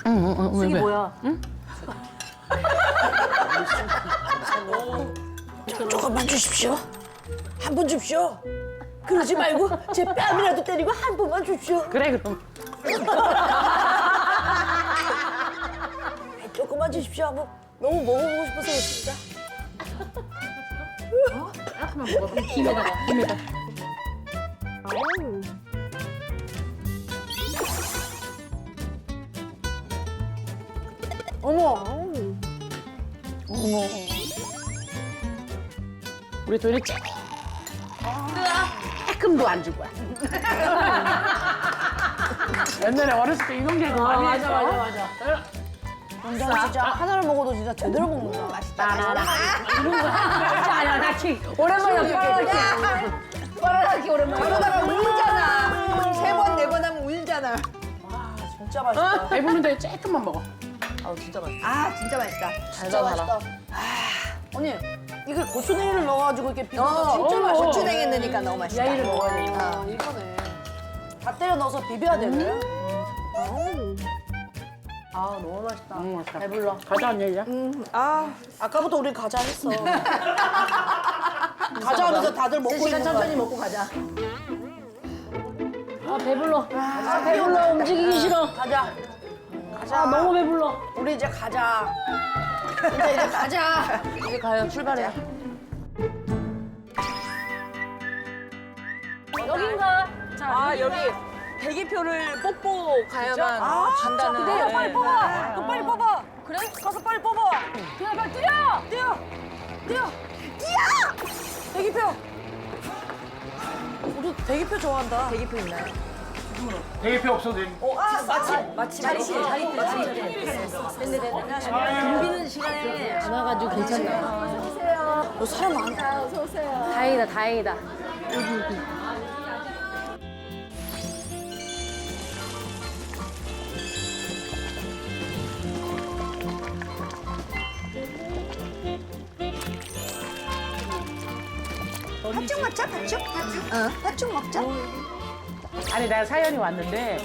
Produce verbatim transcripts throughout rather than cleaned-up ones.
응, 응, 응. 이게 뭐야? 응? 조금만 주십시오. 한 번 줍시오. 그러지 말고 제 뺨이라도 때리고 한 번만 줍시오. 그래, 그럼. 조금만 주십시오. 한번 너무 먹어보고 싶어서 그렇습니다. 조금만 먹어봐. 김에다가, 김에다. 어머. 어머. 우리 도현이 조금도 안 줄 거야. 옛날에 어렸을 때 이런 개그 많이 했어. 맞아, 맞아, 맞아. 원장 진짜 하나를 먹어도 진짜 제대로 먹는다. 맛있다. 나나나. 이런 거. 아니야, 나 치. 오랜만에 빨아먹기. 빨아먹기 오랜만에. 그러다가 울잖아. 세 번, 네 번 하면 울잖아. 진짜 맛있다. 배부른데 조금만 먹어. 아우 진짜 맛있다. 아, 진짜 맛있다. 진짜 맛있다. 아, 언니 이게 고추냉이를 넣어가지고 이렇게 비벼서 어, 진짜 어, 맛있어. 고추냉이 넣으니까 너무 맛있다. 야이를 먹어야 돼. 아, 이거네. 다 때려 넣어서 비벼야 되네. 아, 너무 맛있다. 너무 맛있다. 배불러. 가자, 언니 이제. 아, 아까부터 우리 가자 했어. 가자 하면서 다들 먹고 시간 있는 천천히 거야. 먹고 가자. 아, 배불러. 아, 배불러. 움직이기 싫어. 가자. 가자. 아, 너무 배불러. 우리 이제 가자. 이제 이제 가자. 이제 가요. 출발해. 여긴가? 아 여기 대기표를 뽑고 가야만 아, 진짜? 간다는. 그래요? 빨리 네. 뽑아. 너 빨리 뽑아. 그래? 가서 빨리 뽑아. 뛰어, 빨리 뛰어! 뛰어. 뛰어. 뛰어. 대기표. 우리 대기표 좋아한다. 대기표 있나요? 대기표 없어도 돼. 어, 아, 마침. 마침 자리, 자리, 자리. 됐네, 됐네. 붐비는 시간에 안 와가지고 괜찮나? 너 사람 많다. 다행이다, 다행이다. 팥죽 먹자, 팥죽. 어, 팥죽 먹자. 아니, 나 사연이 왔는데.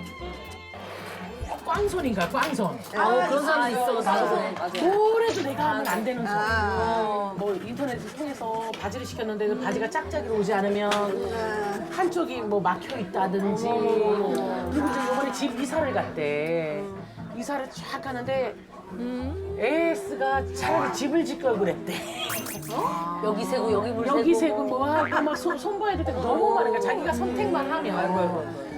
꽝손인가, 꽝손. 아, 그런 사람 있어, 나도. 뭐래도 내가 하면 안 되는 손. 뭐 인터넷을 통해서 바지를 시켰는데 그 바지가 짝짝이로 오지 않으면 한쪽이 뭐 막혀 있다든지. 그리고 이제 이번에 집 이사를 갔대. 이사를 쫙 가는데 에이에스가 차라리 집을 짓 걸 그랬대. 여기 세고, 여기 물 세고. 여기 세고 뭐 하고 막 손, 손봐야 될 때가 너무 많으니까 자기가 선택만 하면.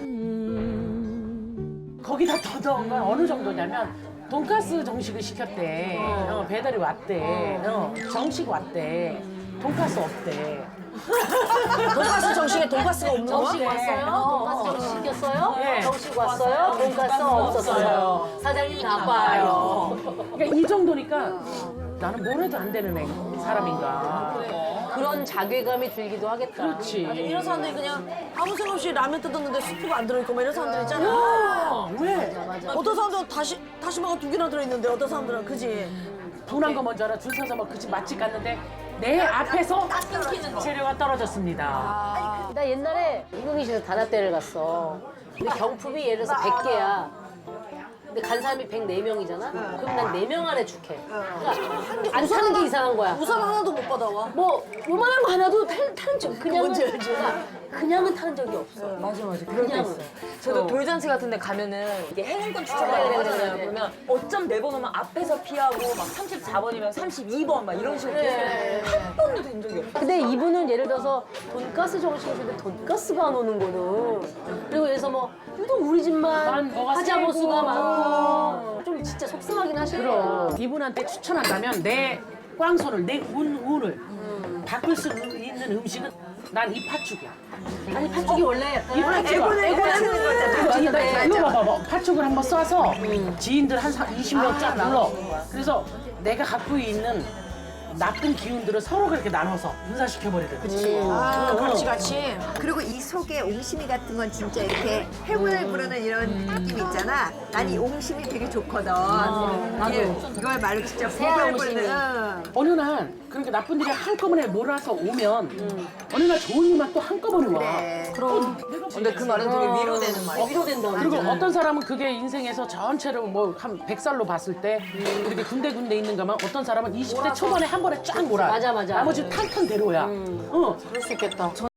거기다 더더운 건 어느 정도냐면 돈가스 정식을 시켰대. 어, 배달이 왔대. 어, 정식 왔대. 돈가스 없대. 돈가스 정식에 돈가스가 없는 거야? 정식 왔어요? 돈가스 정식 시켰어요? 네. 정식 왔어요? 돈가스 없었어요. 사장님 나빠요. 그러니까 이 정도니까 나는 뭘 해도 안 되는 애, 사람인가. 그런 자괴감이 들기도 하겠다. 그렇지. 이런 사람들이 그냥 아무 생각 없이 라면 뜯었는데 스프가 안 들어있고 막 이런 사람들 있잖아. 어, 왜? 어떤 사람들은 다시, 다시마가 두 개나 들어있는데 어떤 사람들은 그지? 분한 거 먼저 알아. 줄 서서 막 그 집 맛집 갔는데 내 앞에서 재료가 떨어졌습니다. 나 옛날에 인공이실에서 단합대를 갔어. 근데 경품이 예를 들어서 백 개야. 근데 간 사람이 백사 명이잖아? 그럼 난 네 명 안에 축해. 그러니까 안 타는 게 이상한 거야. 우산 하나도 못 받아와. 뭐 요만한 거 하나도 탈, 타는 적 그냥은 그러니까 그냥은 타는 적이 없어. 맞아 맞아 그럴 때 있어. 저도 돌잔치 같은 데 가면은 이게 행운권 아, 추첨해야 그래, 그래, 되잖아요. 그래. 그러면 어쩜 네 번 오면 앞에서 피하고 막 삼십사 번이면 삼십이 번 막 이런 식으로 네. 한 번도 된 적이 없어. 근데 이분은 예를 들어서 돈가스 정식을 주는데 돈가스가 안 오는 거는 그리고 예를 들어서 뭐 유독 우리 집만 난 뭐가 하자보수가 세고. 많고 좀 진짜 속상하긴 하시더라. 이분한테 추천한다면 내 꽝손을, 내 운, 운을 바꿀 수 있는 음식은 난 이 팥죽이야. 아니 팥죽이 원래 약간 이 팥죽. 애고는 거잖아. 이거 봐봐. 팥죽을 한번 쏴서 지인들 한 이십 명 쫙 불러. 그래서 내가 갖고 있는 나쁜 기운들을 서로 그렇게 나눠서 분산시켜버리거든. 아, 같이 같이. 그리고 이 속에 옹심이 같은 건 진짜 이렇게 행운을 부르는 이런 느낌 있잖아. 난 이 옹심이 되게 좋거든. 나도. 이걸 말로 진짜 새알 복을 옹심이. 부르는. 응. 어느 날 그러니까 나쁜 일이 한꺼번에 몰아서 오면 어느 날 좋은 일만 또 한꺼번에 와. 그래. 그럼 근데 그 말은 되게 위로되는 말이야. 어, 위로된다. 그리고 완전. 어떤 사람은 그게 인생에서 전체로 뭐 한 백 살로 봤을 때 이렇게 군데군데 있는 가만 어떤 사람은 이십 대 초반에 한 번에 쫙 몰아. 맞아, 맞아. 나머지 탄탄대로야. 어. 그럴 수 있겠다.